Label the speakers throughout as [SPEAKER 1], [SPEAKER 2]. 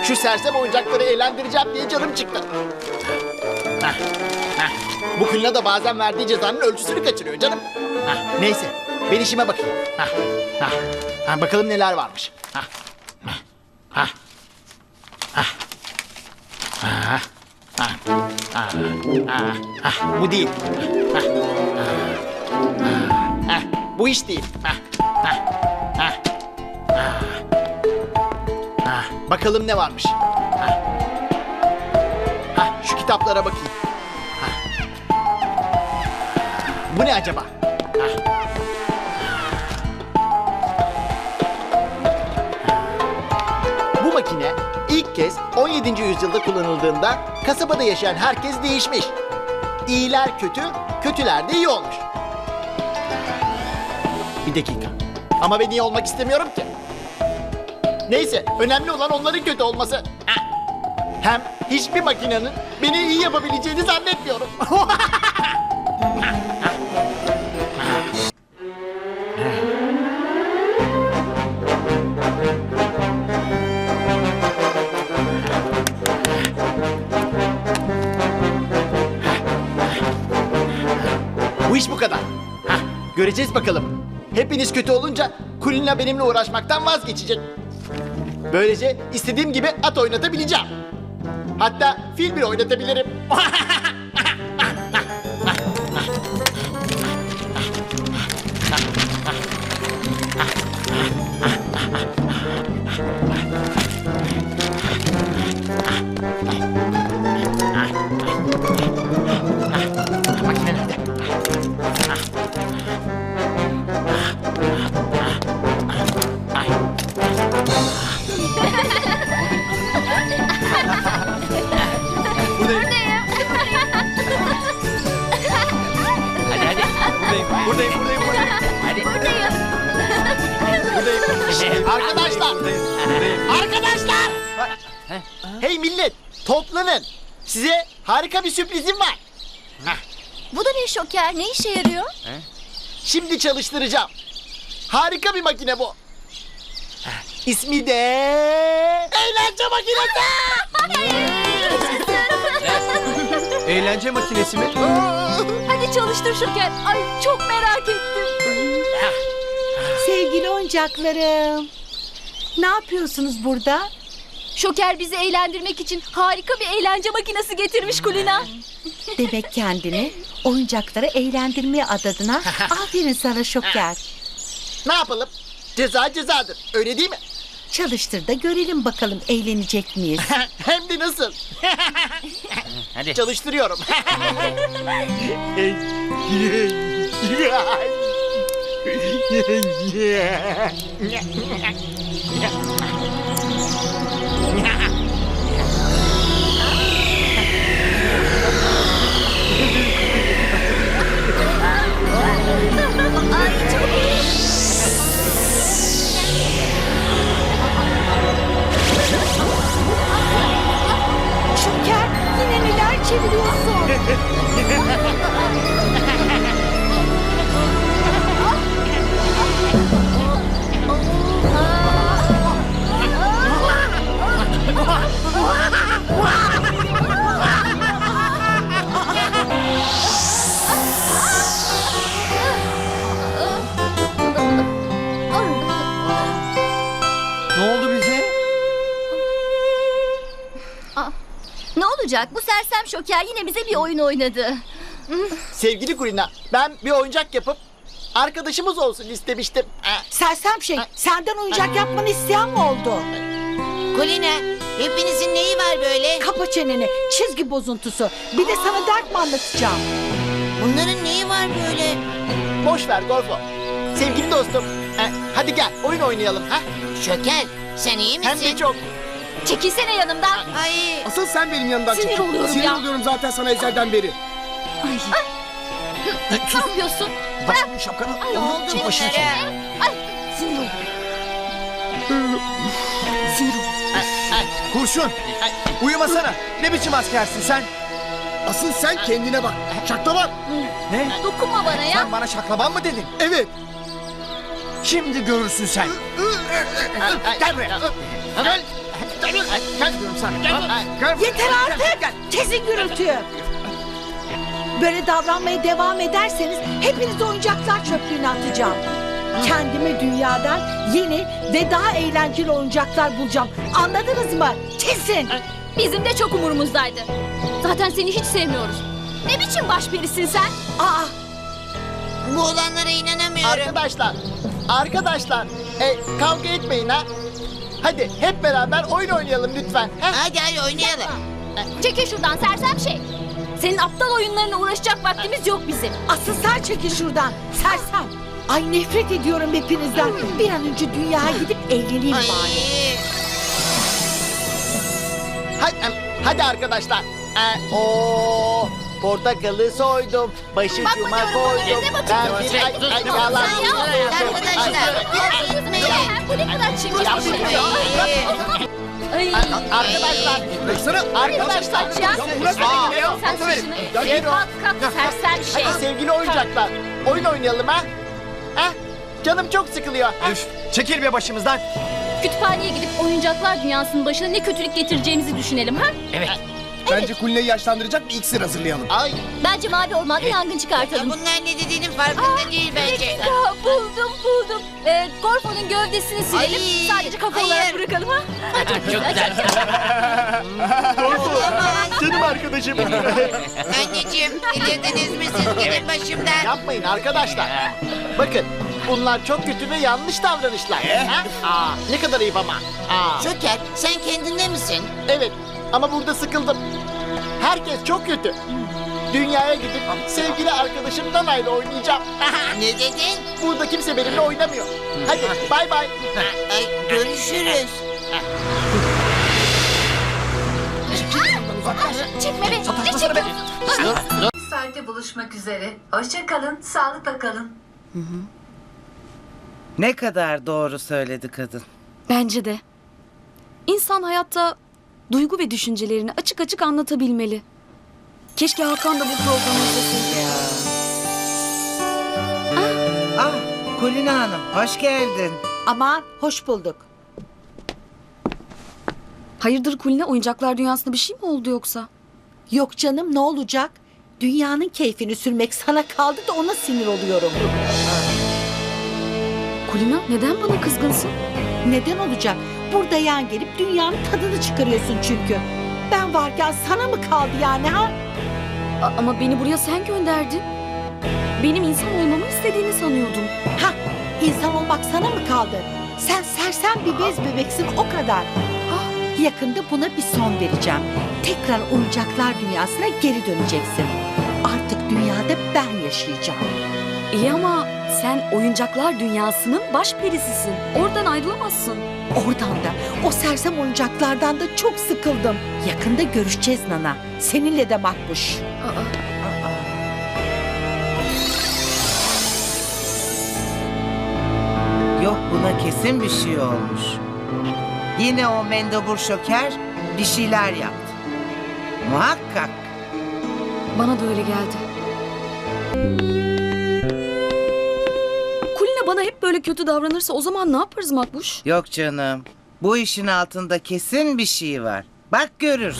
[SPEAKER 1] Şu sersem oyuncakları eğlendireceğim diye canım çıktı. Hah, hah. Bu Kulina da bazen verdiği cezanın ölçüsünü kaçırıyor canım. Hah, neyse ben işime bakayım. Hah, hah. Hah, bakalım neler varmış. Hah, hah, hah. Hah. Ah, ah, ah, ah, ah, bu değil. Ah, ah, ah, bu iş değil. Ah, ah, ah, ah, ah. Bakalım ne varmış. Ah, ah, şu kitaplara bakayım. Ah. Bu ne acaba? Ah. Bu makine ilk kez 17. yüzyılda kullanıldığında kasabada yaşayan herkes değişmiş. İyiler kötü, kötüler de iyi olmuş. Bir dakika. Ama ben iyi olmak istemiyorum ki. Neyse, önemli olan onların kötü olması. Hem hiçbir makinenin beni iyi yapabileceğini zannetmiyorum. Bu iş bu kadar. Hah, göreceğiz bakalım. Hepiniz kötü olunca Kulina benimle uğraşmaktan vazgeçecek. Böylece istediğim gibi at oynatabileceğim. Hatta fil bile oynatabilirim. Makine nerede? Hadi hadi. Buradayım. Hadi. Buradayım. Arkadaşlar! Hey millet, toplanın. Size harika bir sürprizim var.
[SPEAKER 2] Bu da ne Şoker? Ne işe yarıyor?
[SPEAKER 1] Şimdi çalıştıracağım. Harika bir makine bu. İsmi de... Eğlence makinesi!
[SPEAKER 3] Eğlence makinesi mi?
[SPEAKER 2] Hadi çalıştır Şoker. Ay çok merak ettim.
[SPEAKER 4] Sevgili oyuncaklarım. Ne yapıyorsunuz burada?
[SPEAKER 2] Şoker bizi eğlendirmek için harika bir eğlence makinesi getirmiş Kulina.
[SPEAKER 4] Demek kendini oyuncakları eğlendirmeye adadın ha? Aferin sana Şoker.
[SPEAKER 1] Ne yapalım? Ceza cezadır. Öyle değil mi?
[SPEAKER 4] Çalıştır da görelim bakalım eğlenecek miyiz?
[SPEAKER 1] Hem de nasıl?
[SPEAKER 3] Hadi.
[SPEAKER 1] Çalıştırıyorum.
[SPEAKER 2] Ay çok iyi.
[SPEAKER 4] Şoker yine neler çeviriyorsun?
[SPEAKER 3] Ne oldu bize?
[SPEAKER 2] Ne olacak? Bu sersem Şoker yine bize bir oyun oynadı.
[SPEAKER 1] Sevgili Kulina, ben bir oyuncak yapıp arkadaşımız olsun istemiştim.
[SPEAKER 4] Sersem şey, senden oyuncak yapmanı isteyen mi oldu?
[SPEAKER 5] Kulina, hepinizin neyi var böyle?
[SPEAKER 4] Kapa çeneni, çizgi bozuntusu. Bir de sana dert mi anlatacağım?
[SPEAKER 5] Bunların neyi var böyle?
[SPEAKER 1] Boş ver Gorfo. Sevgili dostum, hadi gel oyun oynayalım. Ha?
[SPEAKER 5] Şoker, sen iyi misin?
[SPEAKER 1] Hem de çok.
[SPEAKER 2] Çekilsene yanımdan.
[SPEAKER 5] Ay,
[SPEAKER 6] Asıl sen benim yanımdan
[SPEAKER 2] Sinir
[SPEAKER 6] çekil.
[SPEAKER 2] oluyorum
[SPEAKER 6] Sinir
[SPEAKER 2] ya.
[SPEAKER 6] oluyorum zaten sana ezelden beri.
[SPEAKER 2] Ne yapıyorsun? Bırak.
[SPEAKER 3] Şapkanı.
[SPEAKER 5] ne oldu bunlara?
[SPEAKER 2] Ay sinir oldum.
[SPEAKER 3] Kurşun. Uyumasana. Ne biçim askersin sen?
[SPEAKER 6] Asıl sen kendine bak. Şaklaban.
[SPEAKER 3] Ne?
[SPEAKER 2] Dokunma bana ya.
[SPEAKER 3] Sen bana şaklaban mı dedin?
[SPEAKER 6] Evet.
[SPEAKER 3] Şimdi görürsün sen. Gel buraya. Gel. Gel diyorum sana. Gel.
[SPEAKER 4] Yeter artık. Kesin gürültüyü. Böyle davranmaya devam ederseniz hepiniz oyuncaklar çöplüğüne atacağım. Kendime dünyadan yeni ve daha eğlenceli oyuncaklar bulacağım. Anladınız mı? Kesin.
[SPEAKER 2] Bizim de çok umurumuzdaydı. Zaten seni hiç sevmiyoruz. Ne biçim başperisin sen?
[SPEAKER 4] Aa,
[SPEAKER 5] Bu olanlara inanamıyorum.
[SPEAKER 1] Arkadaşlar, kavga etmeyin ha. Hadi hep beraber oyun oynayalım lütfen. Ha?
[SPEAKER 5] Hadi oynayalım.
[SPEAKER 2] Çekil şuradan sersem şey. Senin aptal oyunlarına uğraşacak vaktimiz yok bizim.
[SPEAKER 4] asıl sen çekil şuradan. Sersem. Ay nefret ediyorum hepinizden. Bir an önce dünyaya gidip eğleneyim
[SPEAKER 5] Ay.
[SPEAKER 4] bari.
[SPEAKER 1] Hadi arkadaşlar. Portakalı soydum, başucuma
[SPEAKER 2] Bakma diyorum
[SPEAKER 1] koydum.
[SPEAKER 2] bana, ne bakıyorsun?
[SPEAKER 1] Yalan.
[SPEAKER 5] Arkadaşlar.
[SPEAKER 2] Bu ne kadar çirkin bir şey. Ay.
[SPEAKER 1] Arkadaşlar, arkadaşlar.
[SPEAKER 2] Kaç ya. Sen saçını. Kalk sersem şey.
[SPEAKER 1] Hadi sevgili oyuncaklar, oyun oynayalım ha. Ha? Canım çok sıkılıyor. Ha?
[SPEAKER 3] Üf, çekil be başımızdan.
[SPEAKER 2] Kütüphaneye gidip oyuncaklar dünyasının başına ne kötülük getireceğimizi düşünelim ha?
[SPEAKER 6] Bence Kulina'yı yaşlandıracak bir iksir hazırlayalım.
[SPEAKER 1] Ay,
[SPEAKER 2] Bence mavi ormanda yangın çıkartalım.
[SPEAKER 5] Bunlar ne dediğinin farkında değil bence.
[SPEAKER 2] Ya buldum. Gorfo'nun gövdesini silelim.
[SPEAKER 5] Ay,
[SPEAKER 2] Sadece kafa olarak
[SPEAKER 5] hayır.
[SPEAKER 2] bırakalım ha.
[SPEAKER 5] Çok güzel.
[SPEAKER 1] canım arkadaşım.
[SPEAKER 5] Anneciğim delirdiniz mi siz? Gidin başımdan.
[SPEAKER 1] Yapmayın arkadaşlar. Bakın, bunlar çok kötü ve yanlış davranışlar. Ha? Ne kadar ayıp ama.
[SPEAKER 5] Joker sen kendinde misin?
[SPEAKER 1] Evet, ama burada sıkıldım. Herkes çok kötü. Dünyaya gidip sevgili arkadaşım Nana'yla oynayacağım.
[SPEAKER 5] Ne dedin?
[SPEAKER 1] Burada kimse benimle oynamıyor. Hadi bay bay.
[SPEAKER 5] Ay, görüşürüz.
[SPEAKER 2] Çekme be. Ne çekiyorsun?
[SPEAKER 7] Saatte buluşmak üzere. Hoşça kalın, sağlıkla kalın.
[SPEAKER 8] Ne kadar doğru söyledi kadın.
[SPEAKER 9] Bence de. İnsan hayatta duygu ve düşüncelerini açık açık anlatabilmeli. Keşke Hakan da bu programı izleseydi.
[SPEAKER 8] Ya. Ah, Kulina Hanım hoş geldin.
[SPEAKER 4] Aman hoş bulduk.
[SPEAKER 9] Hayırdır Kulina, oyuncaklar dünyasında bir şey mi oldu yoksa?
[SPEAKER 4] Yok canım ne olacak? Dünyanın keyfini sürmek sana kaldı da ona sinir oluyorum.
[SPEAKER 9] Kulina neden bana kızgınsın?
[SPEAKER 4] Neden olacak? Burada yan gelip dünyanın tadını çıkarıyorsun çünkü. Ben varken sana mı kaldı yani ha?
[SPEAKER 9] Ama beni buraya sen gönderdin. Benim insan olmamı istediğini sanıyordum.
[SPEAKER 4] Ha, insan olmak sana mı kaldı? Sen sersem bir bez bebeksin o kadar. Ah, yakında buna bir son vereceğim. Tekrar oyuncaklar dünyasına geri döneceksin. Artık dünyada ben yaşayacağım.
[SPEAKER 9] İyi ama sen oyuncaklar dünyasının başperisisin. Oradan ayrılamazsın.
[SPEAKER 4] Oradan da, o sersem oyuncaklardan da çok sıkıldım. Yakında görüşeceğiz Nana. Seninle de Makbuş.
[SPEAKER 8] Yok buna kesin bir şey olmuş. Yine o mendebur şoker bir şeyler yaptı. Muhakkak.
[SPEAKER 9] Bana da öyle geldi. Kulina bana hep böyle kötü davranırsa o zaman ne yaparız Makbuş?
[SPEAKER 8] Yok canım. Bu işin altında kesin bir şey var. Bak görürsün.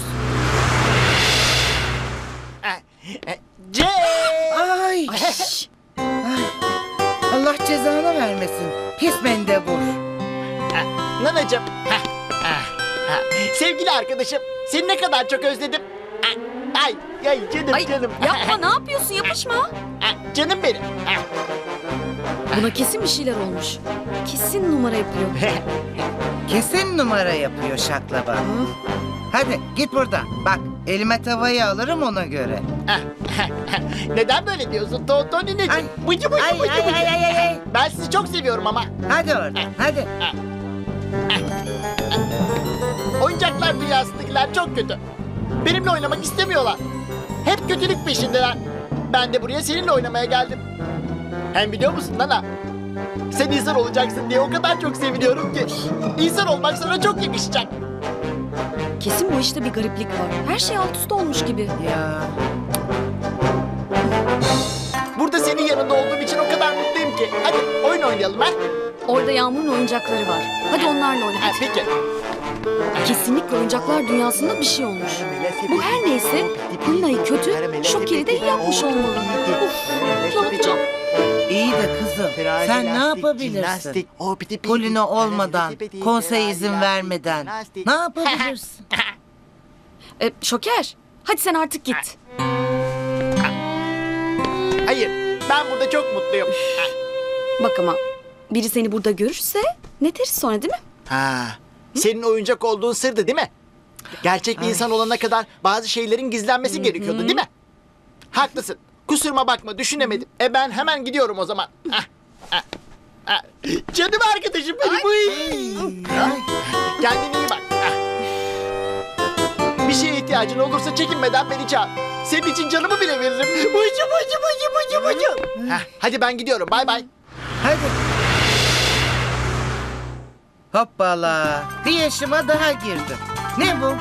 [SPEAKER 8] Ay. Ay. Allah cezanı vermesin. Pis mendebur.
[SPEAKER 1] Nanacığım. Sevgili arkadaşım, seni ne kadar çok özledim. Ay canım
[SPEAKER 9] Ay
[SPEAKER 1] canım.
[SPEAKER 9] yapma, ne yapıyorsun, yapışma.
[SPEAKER 1] Canım benim.
[SPEAKER 9] Buna kesin bir şeyler olmuş. Kesin numara yapıyor.
[SPEAKER 8] Kesin numara yapıyor şaklaban. Hadi git buradan. Bak elime tavayı alırım ona göre.
[SPEAKER 1] Neden böyle diyorsun Tonineciğim?
[SPEAKER 8] Ay.
[SPEAKER 1] Bıcı bıcı
[SPEAKER 8] Ay,
[SPEAKER 1] bıcı
[SPEAKER 8] ay,
[SPEAKER 1] bıcı.
[SPEAKER 8] ay, ay, ay.
[SPEAKER 1] Ben sizi çok seviyorum ama.
[SPEAKER 8] Hadi oradan hadi.
[SPEAKER 1] Oyuncaklar dünyasındakiler çok kötü. Benimle oynamak istemiyorlar. Hep kötülük peşindeler. Ben de buraya seninle oynamaya geldim. Hem biliyor musun Nana? Sen insan olacaksın diye o kadar çok seviniyorum ki. İnsan olmak sana çok yakışacak.
[SPEAKER 9] Kesin bu işte bir gariplik var. Her şey alt üst olmuş gibi.
[SPEAKER 8] Ya.
[SPEAKER 1] Burada senin yanında olduğum için o kadar mutluyum ki. Hadi oyun oynayalım ha.
[SPEAKER 9] Orada Yağmur'un oyuncakları var. Hadi onlarla oyna.
[SPEAKER 1] Peki.
[SPEAKER 9] Kesinlikle oyuncaklar dünyasında bir şey olmuş. Bu her neyse Kulina'yı kötü, Şoker'i de iyi yapmış olmalı. Uf, ne yapacağım?
[SPEAKER 8] İyi de kızım sen ne yapabilirsin? Kulina olmadan, konsey izin vermeden ne yapabilirsin?
[SPEAKER 9] Şoker, hadi sen artık git.
[SPEAKER 1] Hayır, ben burada çok mutluyum.
[SPEAKER 9] Bak ama biri seni burada görürse ne deriz sonra değil mi?
[SPEAKER 1] Ha, senin oyuncak olduğun sırdı değil mi? Gerçek bir insan olana kadar bazı şeylerin gizlenmesi gerekiyordu değil mi? Haklısın. Kusuruma bakma, düşünemedim. Ben hemen gidiyorum o zaman. Canım arkadaşım benim. Kendine iyi bak. Bir şeye ihtiyacın olursa çekinmeden beni çağır. Senin için canımı bile veririm. Hadi ben gidiyorum. Bay bay.
[SPEAKER 8] Hadi. Hoppala. Bir yaşıma daha girdim. Ne bu?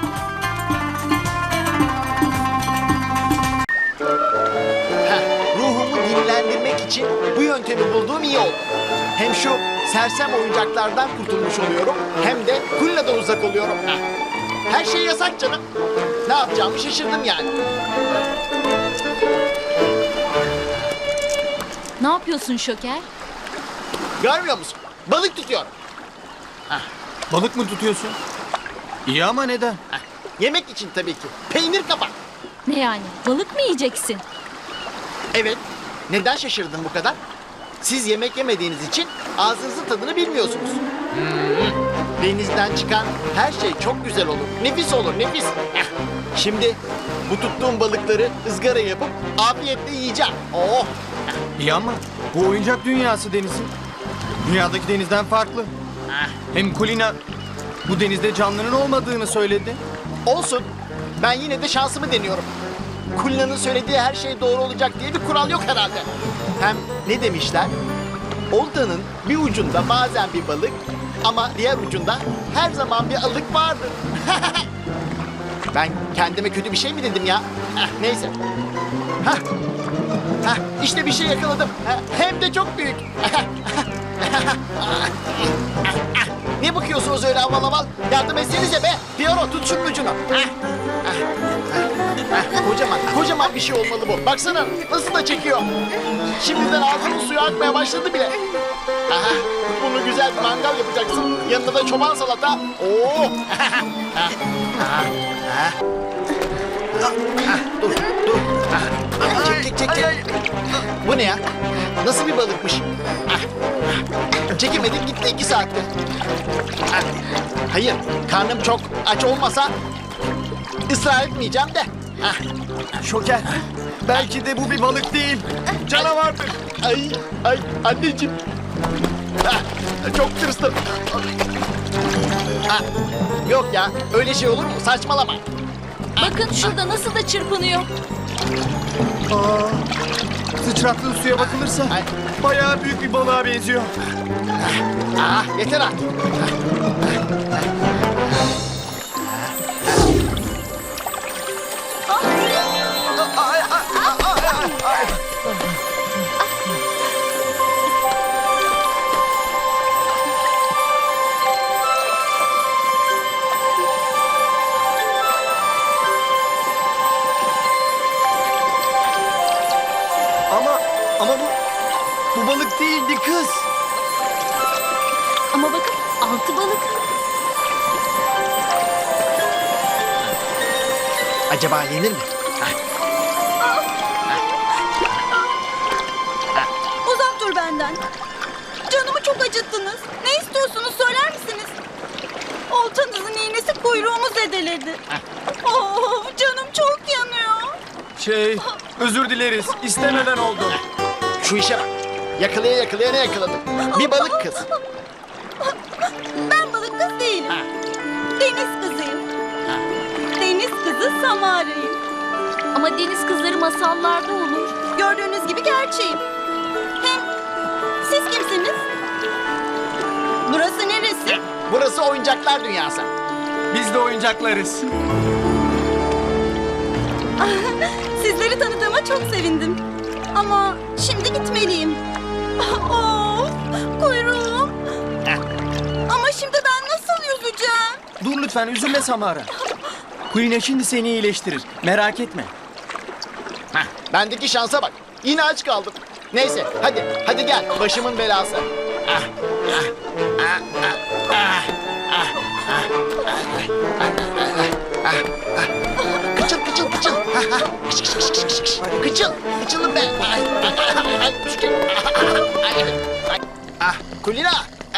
[SPEAKER 1] Ruhumu dinlendirmek için bu yöntemi bulduğum iyi oldu. Hem şu sersem oyuncaklardan kurtulmuş oluyorum, hem de Kulina'dan uzak oluyorum. Her şey yasak canım. Ne yapacağımı şaşırdım yani.
[SPEAKER 2] Ne yapıyorsun Şoker?
[SPEAKER 1] Görmüyor musun? Balık tutuyorum.
[SPEAKER 3] Balık mı tutuyorsun? İyi ama neden?
[SPEAKER 1] Yemek için tabii ki. Peynir kapak.
[SPEAKER 2] Ne yani? Balık mı yiyeceksin?
[SPEAKER 1] Evet. Neden şaşırdın bu kadar? Siz yemek yemediğiniz için ağzınızın tadını bilmiyorsunuz. Denizden çıkan her şey çok güzel olur. Nefis olur, nefis. Şimdi bu tuttuğum balıkları ızgara yapıp afiyetle yiyeceğim. Oh!
[SPEAKER 3] İyi ama bu oyuncak dünyası denizi. Dünyadaki denizden farklı. Hem Kulina bu denizde canlının olmadığını söyledi.
[SPEAKER 1] Olsun. Ben yine de şansımı deniyorum. Kulina'nın söylediği her şey doğru olacak diye bir kural yok herhalde. Hem ne demişler? Oltanın bir ucunda bazen bir balık ama diğer ucunda her zaman bir alık vardır. Ben kendime kötü bir şey mi dedim ya? Neyse. İşte bir şey yakaladım. Hem de çok büyük. Ne bakıyorsunuz öyle aval aval? Yardım etsenize be. Piyano tut şunun ucunu. Kocaman bir şey olmalı bu. Baksana nasıl da çekiyor. Şimdiden ağzının suyu akmaya başladı bile. Bunu güzel bir mangal yapacaksın. Yanında da çoban salata. Oo. Dur. Çek. Bu ne ya? Nasıl bir balıkmış? Çekemedim gitti 2 saatte. Hayır, karnım çok aç olmasa ısrar etmeyeceğim de.
[SPEAKER 3] Şoker. Belki de bu bir balık değil. Canavardır.
[SPEAKER 1] Ay anneciğim. Çok tırstım. Yok ya, öyle şey olur mu? Saçmalama.
[SPEAKER 2] Bakın şurada nasıl da çırpınıyor.
[SPEAKER 3] Sıçrattığı suya bakılırsa bayağı büyük bir balığa benziyor.
[SPEAKER 1] Yeter artık.
[SPEAKER 3] Ama bu balık değildi kız.
[SPEAKER 2] Ama bakın 6 balık.
[SPEAKER 1] Acaba yenir mi?
[SPEAKER 9] Uzak dur benden. Canımı çok acıttınız. Ne istiyorsunuz söyler misiniz? Oltanızın iğnesi kuyruğumu zedeledi. Canım çok yanıyor.
[SPEAKER 3] Özür dileriz. İstemeden oldu.
[SPEAKER 1] Şu işe bak. Yakalaya ne yakaladım? Bir balık kız.
[SPEAKER 9] Ben balık kız değilim. Deniz kızıyım. Deniz kızı Samara'yım.
[SPEAKER 2] Ama deniz kızları masallarda olur.
[SPEAKER 9] Gördüğünüz gibi gerçeğim. Hem siz kimsiniz? Burası neresi?
[SPEAKER 1] Burası oyuncaklar dünyası.
[SPEAKER 3] Biz de oyuncaklarız.
[SPEAKER 9] Sizleri tanıdığıma çok sevindim. Ama şimdi gitmeliyim. Kuyruğum. Ama şimdi ben nasıl yüzeceğim?
[SPEAKER 3] Dur lütfen. lütfen üzülme Samara. Kulina şimdi seni iyileştirir. Merak etme.
[SPEAKER 1] Hah, bendeki şansa bak. Yine aç kaldım. Neyse hadi gel başımın belası. Kıçıl. Kıçılım be. Kulina.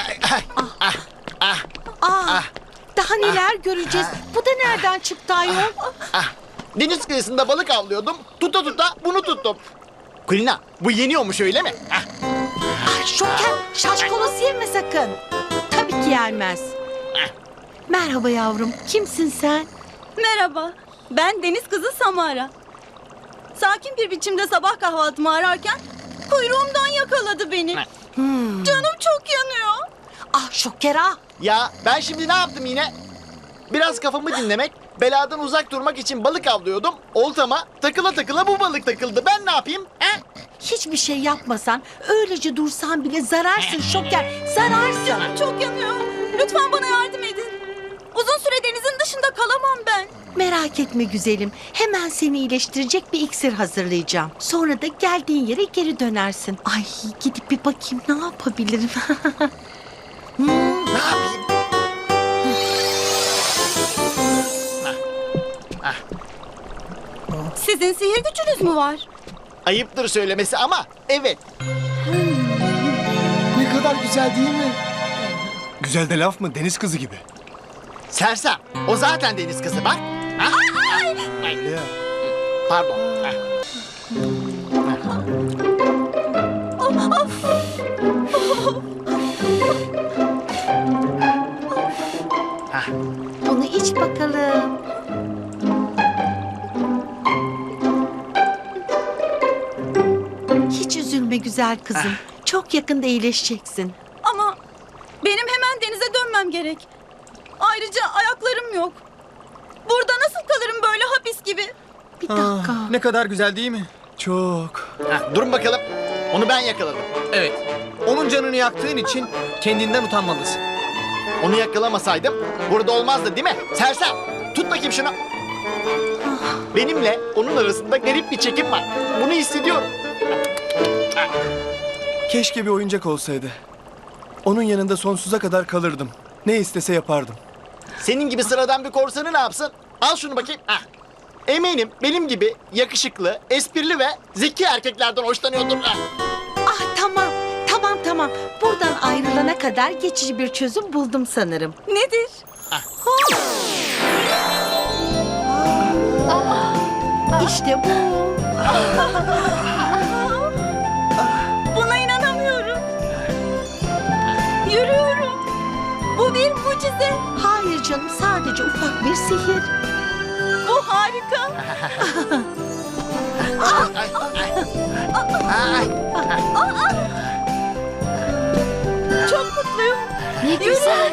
[SPEAKER 4] Daha neler göreceğiz? Bu da nereden çıktı ayol?
[SPEAKER 1] Deniz kıyısında balık avlıyordum. Tuta bunu tuttum. Kulina bu yeniyormuş öyle mi?
[SPEAKER 4] Şoker, şaşkalosu yeme sakın. Tabii ki yenmez. Merhaba yavrum, kimsin sen?
[SPEAKER 9] Merhaba, ben deniz kızı Samara. Sakin bir biçimde sabah kahvaltımı ararken kuyruğumdan yakaladı beni. Canım çok yanıyor.
[SPEAKER 4] Ah Şoker ah.
[SPEAKER 1] Ya ben şimdi ne yaptım yine? Biraz kafamı dinlemek, beladan uzak durmak için balık avlıyordum. Oltama takıla bu balık takıldı. Ben ne yapayım? He?
[SPEAKER 4] Hiçbir şey yapmasan, öylece dursan bile zararsın Şoker, zararsın.
[SPEAKER 9] Canım çok yanıyor. Lütfen bana yardım edin. Uzun süre denizin dışında kalamam ben.
[SPEAKER 4] Merak etme güzelim, hemen seni iyileştirecek bir iksir hazırlayacağım. Sonra da geldiğin yere geri dönersin. Ay gidip bir bakayım ne yapabilirim.
[SPEAKER 1] Ne yapayım?
[SPEAKER 9] Sizin sihir gücünüz mü var?
[SPEAKER 1] Ayıptır söylemesi ama evet.
[SPEAKER 6] Ne kadar güzel değil mi?
[SPEAKER 3] Güzel de laf mı? Deniz kızı gibi.
[SPEAKER 1] Sersem. O zaten deniz kızı bak. Ha? Ay. Pardon. Ha.
[SPEAKER 4] Bunu iç bakalım. Hiç üzülme güzel kızım. Çok yakında iyileşeceksin.
[SPEAKER 9] Ama benim hemen denize dönmem gerek. Ayrıca ayaklarım yok. Burada nasıl kalırım böyle hapis gibi?
[SPEAKER 4] Bir dakika.
[SPEAKER 3] Ne kadar güzel değil mi? Çok.
[SPEAKER 1] Ha, durun bakalım. Onu ben yakaladım.
[SPEAKER 3] Evet. Onun canını yaktığın için kendinden utanmalısın.
[SPEAKER 1] Onu yakalamasaydım burada olmazdı değil mi? Sersem. Tut bakayım şunu. Benimle onun arasında garip bir çekim var. Bunu hissediyorum.
[SPEAKER 3] Keşke bir oyuncak olsaydı. Onun yanında sonsuza kadar kalırdım. Ne istese yapardım.
[SPEAKER 1] Senin gibi sıradan bir korsanı ne yapsın? Al şunu bakayım. Ah. Eminim benim gibi yakışıklı, esprili ve zeki erkeklerden hoşlanıyordur. Ah.
[SPEAKER 4] Ah tamam. Buradan ayrılana kadar geçici bir çözüm buldum sanırım.
[SPEAKER 9] Nedir?
[SPEAKER 4] İşte bu.
[SPEAKER 9] Buna inanamıyorum. Yürüyorum. Bu bir mucize.
[SPEAKER 4] Hayır canım, sadece ufak bir sihir.
[SPEAKER 9] Bu harika. Çok mutluyum.
[SPEAKER 2] Ne güzel.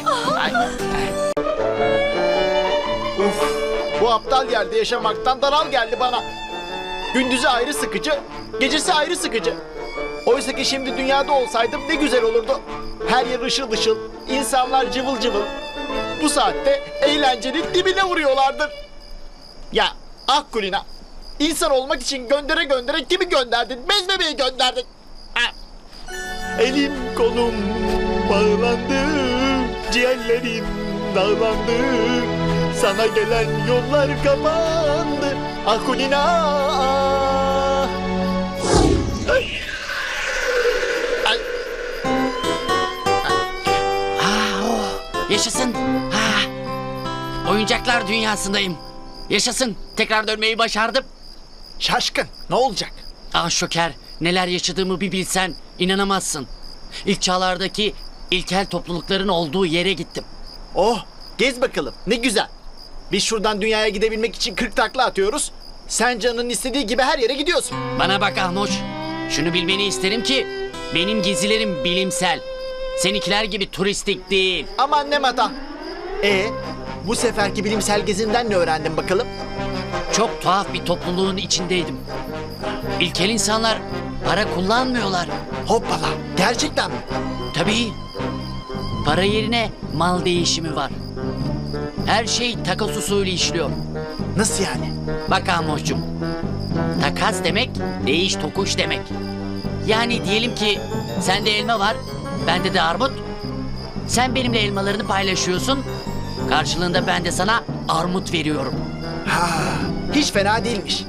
[SPEAKER 1] Uf, bu aptal yerde yaşamaktan daral geldi bana. Gündüzü ayrı sıkıcı, gecesi ayrı sıkıcı. Oysa ki şimdi dünyada olsaydım ne güzel olurdu. Her yer ışıl ışıl, insanlar cıvıl cıvıl. Bu saatte eğlencenin dibine vuruyorlardır. Ya ah Kulina, insan olmak için göndere kimi gönderdin? Bez bebeği gönderdin. Ah. Elim kolum bağlandı, ciğerlerim dağlandı. Sana gelen yollar kapandı. Ah Kulina. Ay. Ay.
[SPEAKER 5] Yaşasın. Oyuncaklar dünyasındayım. Yaşasın. Tekrar dönmeyi başardım.
[SPEAKER 1] Şaşkın, ne olacak?
[SPEAKER 5] Ah Şoker, neler yaşadığımı bir bilsen inanamazsın. İlk çağlardaki ilkel toplulukların olduğu yere gittim.
[SPEAKER 1] Oh, gez bakalım, ne güzel. Biz şuradan dünyaya gidebilmek için 40 takla atıyoruz. Sen canının istediği gibi her yere gidiyorsun.
[SPEAKER 5] Bana bak Ahmoş. Şunu bilmeni isterim ki benim gezilerim bilimsel. Seninkiler gibi turistik değil.
[SPEAKER 1] Aman ne mata. Bu seferki bilimsel gezinden ne öğrendin bakalım?
[SPEAKER 5] Çok tuhaf bir topluluğun içindeydim. İlkel insanlar para kullanmıyorlar.
[SPEAKER 1] Hoppala, gerçekten mi?
[SPEAKER 5] Tabii. Para yerine mal değişimi var. Her şey takas usulü işliyor.
[SPEAKER 1] Nasıl yani?
[SPEAKER 5] Bak Ahmoş'cum. Takas demek değiş tokuş demek. Yani diyelim ki sende elma var, bende de armut. Sen benimle elmalarını paylaşıyorsun. Karşılığında ben de sana armut veriyorum.
[SPEAKER 1] Hiç fena değilmiş.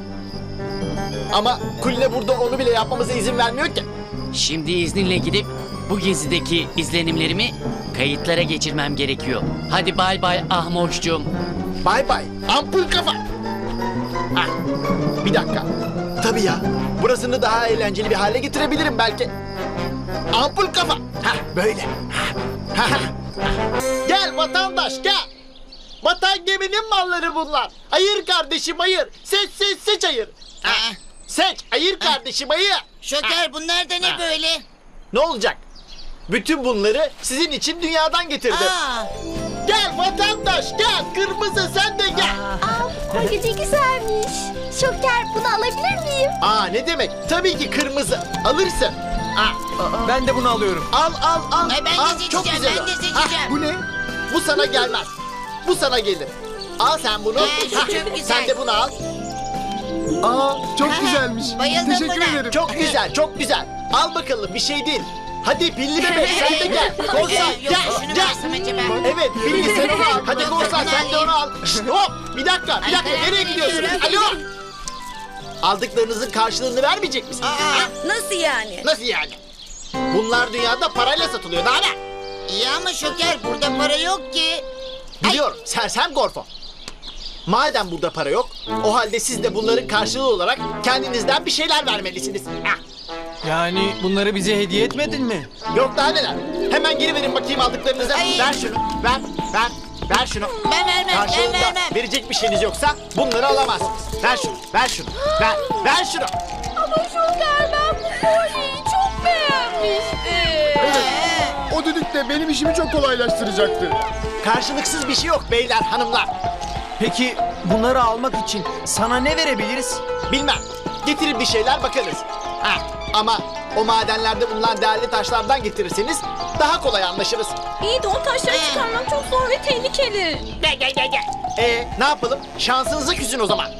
[SPEAKER 1] Ama Kuline burada onu bile yapmamıza izin vermiyor ki.
[SPEAKER 5] Şimdi izninle gidip bu gezideki izlenimlerimi kayıtlara geçirmem gerekiyor. Hadi bay bay Ahmoş'cum.
[SPEAKER 1] Bay bay. Ampul kafa. Ah, bir dakika. Tabii ya. Burasını daha eğlenceli bir hale getirebilirim belki. Ampul kafa. Ha böyle. Ha, ha. Gel vatandaş gel. Vatan geminin malları bunlar. Ayır kardeşim ayır. Seç ayır. Ha, seç ayır kardeşim ayır.
[SPEAKER 8] Şoker bunlar da ne böyle?
[SPEAKER 1] Ne olacak? Bütün bunları sizin için dünyadan getirdim. Gel vatandaş gel. Kırmızı sen de gel.
[SPEAKER 2] Ay ne güzelmiş. Şoker bunu alabilir miyim?
[SPEAKER 1] Aa ne demek? Tabii ki kırmızı. Alırsın.
[SPEAKER 3] Ben de bunu alıyorum.
[SPEAKER 1] Al.
[SPEAKER 8] Ben de
[SPEAKER 1] Al,
[SPEAKER 8] seçeceğim,
[SPEAKER 1] çok güzel
[SPEAKER 8] ben
[SPEAKER 1] o.
[SPEAKER 8] de seçeceğim.
[SPEAKER 1] Bu ne? Bu sana gelmez. Bu sana gelir. Al sen bunu.
[SPEAKER 8] şu çok güzel.
[SPEAKER 1] Sen de bunu al.
[SPEAKER 6] Aa çok güzelmiş.
[SPEAKER 8] Bayıldım
[SPEAKER 6] Teşekkür
[SPEAKER 8] buna.
[SPEAKER 6] ederim.
[SPEAKER 1] Çok güzel, çok güzel. Al bakalım bir şey değil. Hadi pilli bebek sen de gel. Korsan
[SPEAKER 8] Yok,
[SPEAKER 1] gel.
[SPEAKER 8] şunu
[SPEAKER 1] Gel.
[SPEAKER 8] versem acaba?
[SPEAKER 1] Evet pilli sen onu al. Hadi
[SPEAKER 8] Yok,
[SPEAKER 1] korsan
[SPEAKER 8] yok,
[SPEAKER 1] sen de onu al. Şşt, hop bir dakika
[SPEAKER 8] Ay,
[SPEAKER 1] nereye
[SPEAKER 8] ben
[SPEAKER 1] gidiyorsunuz?
[SPEAKER 8] veriyorum.
[SPEAKER 1] Alo. Aldıklarınızın karşılığını vermeyecek misiniz? Ha?
[SPEAKER 9] Nasıl yani?
[SPEAKER 1] Nasıl yani? Bunlar dünyada parayla satılıyor daha ne?
[SPEAKER 8] İyi ama Şoker burada para yok ki.
[SPEAKER 1] Biliyorum sersem Gorfo. Madem burada para yok, o halde siz de bunların karşılığı olarak kendinizden bir şeyler vermelisiniz. Ah,
[SPEAKER 3] Yani bunları bize hediye etmedin mi?
[SPEAKER 1] yok daha neler. Hemen geri verin bakayım aldıklarınızı.
[SPEAKER 8] Ay.
[SPEAKER 1] Ver şunu, ver şunu.
[SPEAKER 8] Ben vermem,
[SPEAKER 1] Karşılığında
[SPEAKER 8] ben vermem.
[SPEAKER 1] verecek bir şeyiniz yoksa bunları alamazsınız. Ver şunu, ver şunu.
[SPEAKER 2] Ama Şoker ben bu kolyeyi çok beğenmiştim.
[SPEAKER 6] O düdük de benim işimi çok kolaylaştıracaktı.
[SPEAKER 1] Karşılıksız bir şey yok beyler, hanımlar.
[SPEAKER 3] Peki bunları almak için sana ne verebiliriz?
[SPEAKER 1] Bilmem, getirin bir şeyler bakarız. Ha, ama o madenlerde bulunan değerli taşlardan getirirseniz daha kolay anlaşırız.
[SPEAKER 2] İyi de o taşları çıkarmak çok zor ve tehlikeli.
[SPEAKER 1] Gel. Ne yapalım? Şansınıza küsün o zaman.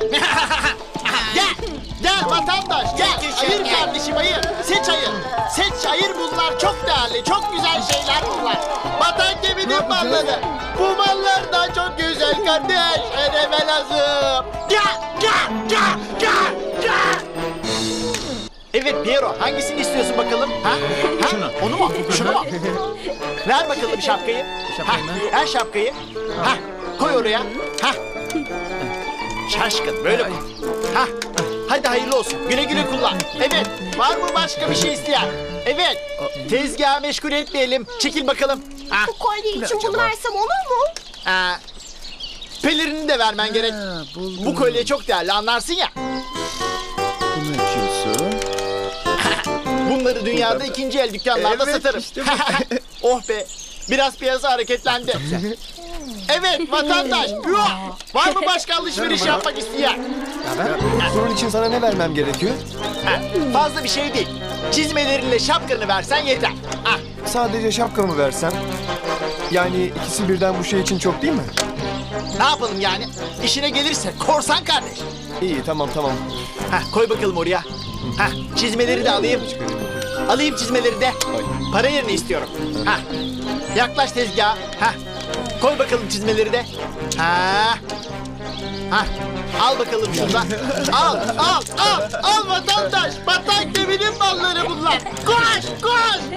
[SPEAKER 1] Gel vatandaş gel. Ayır kardeşim ayır. Seç ayır bunlar çok değerli, çok güzel şeyler bunlar. Vatan geminin malları. Bu mallar da çok güzel kardeş. Ödeme lazım. Gel. Evet Piero, hangisini istiyorsun bakalım? Ha?
[SPEAKER 3] Şunu.
[SPEAKER 1] Onu mu? Şunu mu? Ver bakalım şapkayı.
[SPEAKER 3] Şapkayı mı?
[SPEAKER 1] Ver şapkayı. Ha, koy oraya. Ha. Şaşkın böyle koy. Ha. Hadi hayırlı olsun. Güle güle kullan. Evet. Var mı başka bir şey isteyen? Evet. Tezgahı meşgul etmeyelim. Çekil bakalım. Ha.
[SPEAKER 2] Bu kolye için bunu versem olur mu?
[SPEAKER 1] Pelerini de vermen gerek. Bu kolye çok değerli anlarsın ya.
[SPEAKER 6] Bunu açıyorsun.
[SPEAKER 1] Bunları dünyada ikinci el dükkanlarda
[SPEAKER 6] Evet,
[SPEAKER 1] satarım.
[SPEAKER 6] işte
[SPEAKER 1] Oh be. Biraz piyasa hareketlendi. Evet vatandaş. Var mı başka alışveriş yapmak isteyen?
[SPEAKER 6] Bunun için sana ne vermem gerekiyor?
[SPEAKER 1] Fazla bir şey değil. Çizmelerinle şapkanı versen yeter. Ah,
[SPEAKER 6] Sadece şapkamı versem. Yani ikisi birden bu şey için çok değil mi?
[SPEAKER 1] ne yapalım yani? İşine gelirse korsan kardeş.
[SPEAKER 6] İyi tamam.
[SPEAKER 1] Koy bakalım oraya. Çizmeleri de alayım. Alayım çizmeleri de. Para yerine istiyorum. Yaklaş tezgaha. Koy bakalım çizmeleri de. Al bakalım şundan. Al vatandaş. Vatan geminin malları bunlar. Koş.